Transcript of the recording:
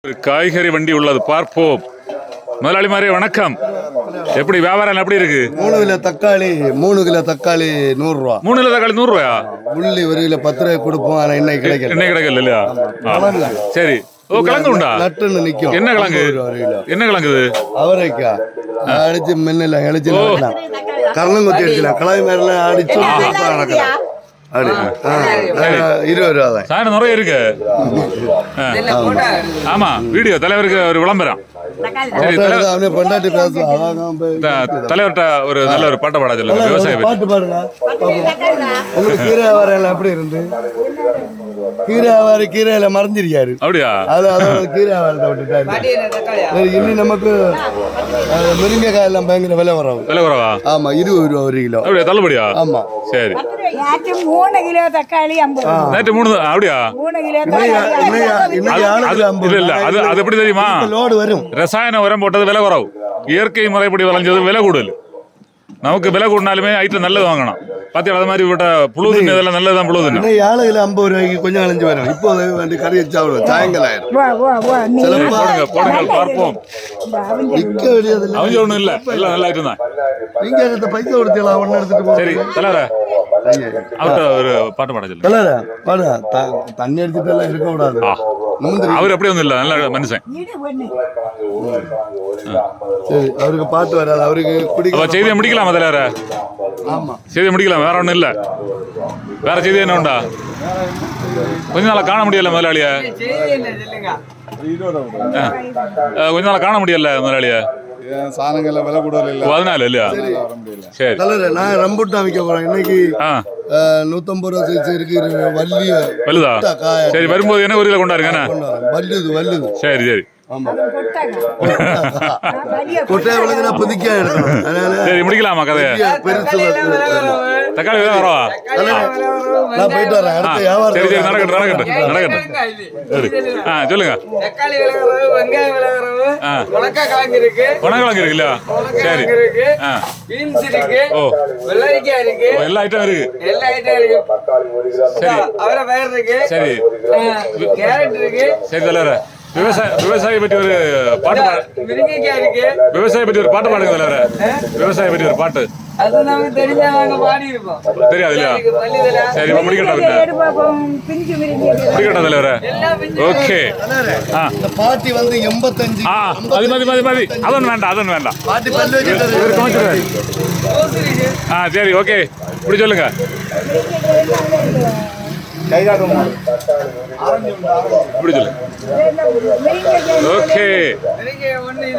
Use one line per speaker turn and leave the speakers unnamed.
ஒரு காய்கறி வண்டி உள்ளது, பார்ப்போம். முதலாளிமாரே வணக்கம். எப்படி வியாபாரம் எப்படி இருக்கு?
3 கிலோ தக்காளி 100 ரூபா.
3 கிலோ தக்காளி 100 ரூபாயா?
உள்ளி 1 கிலோ 10 ரூபாய் கொடுப்போம். ஆனா இன்னைக்கு கிடைக்கல.
இன்னைக்கு கிடைக்கல இல்லையா? சரி. ஓ, கிழங்கு உண்டா?
நட்டுன்னு நிக்கும்.
என்ன கிழங்கு? என்ன கிழங்கு இது?
அவரைக்கா அடிச்சு மின்னல அடிச்சு கரணங்குத்தி அடிச்சலாம். கிழங்கு மேலாம் அடிச்சு நடக்கலாம். அப்படி 20 ரூபா தான்.
சாயந்தரம் நிறைய இருக்கு. ஆமா, வீடியோ தலைவருக்கு ஒரு விளம்பரம். சரி,
பொண்டாட்டி பேசுவோம்.
தலைவர்கிட்ட ஒரு நல்ல ஒரு பாட்டை பாட சொல்லுங்க. விவசாய
பாட்டு பாடுங்க. உங்களுக்கு கீரை வியாபாரம் எப்படி இருந்து? கீரை வியாபாரி கீரையில மறைஞ்சிருக்காரு.
அப்படியா?
அதோட கீரை வியாபாரத்தை விட்டுட்டாரு. இன்னும் நமக்கு முருங்கைக்காய் எல்லாம் பயங்கர விலை வரும்.
விலை குறவா?
ஆமா, 20 ரூபா 1 கிலோ.
அப்படியா? தள்ளுபடியா?
ஆமா.
சரி.
3 கிலோ தக்காளி 50.
நேற்று 3. அப்படியா?
3 கிலோ
இல்ல, அது எப்படி தெரியுமா?
லோடு வரும்.
ரசாயன உரம் போட்டது விலை குறவு, இயற்கை முறைப்படி விளைஞ்சது விலை கூடுதல். நமக்கு விலை கூடினாலுமே ஐட்டம் நல்லது வாங்கணும். பாத்தீங்களா? அது மாதிரி விட்ட புழு தின்னு இதெல்லாம் நல்லதுதான். புழு தின்னு
7 கிலோ 50 ரூபாய்க்கு கொஞ்சம் அழிஞ்சு வரும். இப்போ வேண்டி கறி வச்சாவிடும். சாயங்காலம் ஆயிரும்.
போடுங்கள் பார்ப்போம்.
விற்க வேண்டியதில்லை.
அவங்க ஒண்ணும் இல்ல, எல்லாம் நல்ல ஐட்டம் தான்.
நீங்க எடுத்த பைசா கொடுத்தீங்களா? ஒன்னு எடுத்துட்டு போ.
சரி தலைவர, அவர்கிட்ட ஒரு பாட்டு பாட சொல்லுங்க.
தலைவர பாடு. தண்ணி அடிச்சுட்டு எல்லாம் இருக்க கூடாது.
அவர் அப்படி ஒன்றும் இல்லை, நல்ல மனுஷன்.
சரி, அவருக்கு பாட்டு வராது. அவருக்கு பிடிக்கும்.
செய்தியை முடிக்கலாமா தலைவர?
ஆமா,
செய்தியை முடிக்கலாம். வேற ஒன்றும் இல்லை. வேற செய்தி என்ன உண்டா? கொஞ்ச நாளா காண முடியல முதலாளிய. கொஞ்ச நாளா காண முடியல முதலாளிய.
சாணங்கள்ல விலை கூட இல்ல,
அதனால இல்லையா? சரி
தலைவர, நான் ரம்புட்டான் விற்க போறேன் இன்னைக்கு. 150 ரூபா சைஸ் இருக்கு. வள்ளிய
வலுதா? சரி, வரும்போது என்ன ஒரு கிலோ கொண்டாருங்க.
வல்லுது.
சரி சரி.
கொட்டையை விளக்குனா புதுக்கியா எடுக்கணும். அதனால
சரி, முடிக்கலாமா கதையை?
பெருசு
தக்காளி விலை வரவா?
நான் போயிட்டு வரேன். அடுத்த வியாபாரம்.
சரி சரி, நடக்கட்டும். சொல்லுங்க.
தக்காளி விலை குறைவு, வெங்காயம் விலை குறைவு, உணக்கிழங்கு இருக்கு,
உணக்கிழங்கு இருக்குல்ல? சரி,
இருக்கு, பீன்ஸ் இருக்கு, வெள்ளரிக்காய் இருக்கு,
எல்லா ஐட்டம் இருக்கு.
எல்லா ஐட்டம் இருக்கு.
சரி,
அவரை பயிர் இருக்கு,
சரி,
கேரட் இருக்கு.
சரி தலைவர, விவசாயி பற்றி ஒரு பாட்டு.
முருங்கைக்காய் இருக்கு.
விவசாயி பற்றி ஒரு பாட்டு பாடுங்க தலைவர. விவசாயி பற்றி ஒரு பாட்டு.
அது நமக்கு தெரிஞ்சா நாங்க பாடி இருப்போம்.
தெரியாது இல்லையா? சரி, இப்ப முடிக்கட்டும். முடிக்கட்டும் தலைவர. ஓகே.
பாட்டி வந்து 85.
மதி அதொன்னு வேண்டாம்.
பாட்டி பல்லு வச்சிட்டு.
சரி, ஓகே. இப்படி சொல்லுங்க. இப்படி சொல்லுங்க. ஓகே.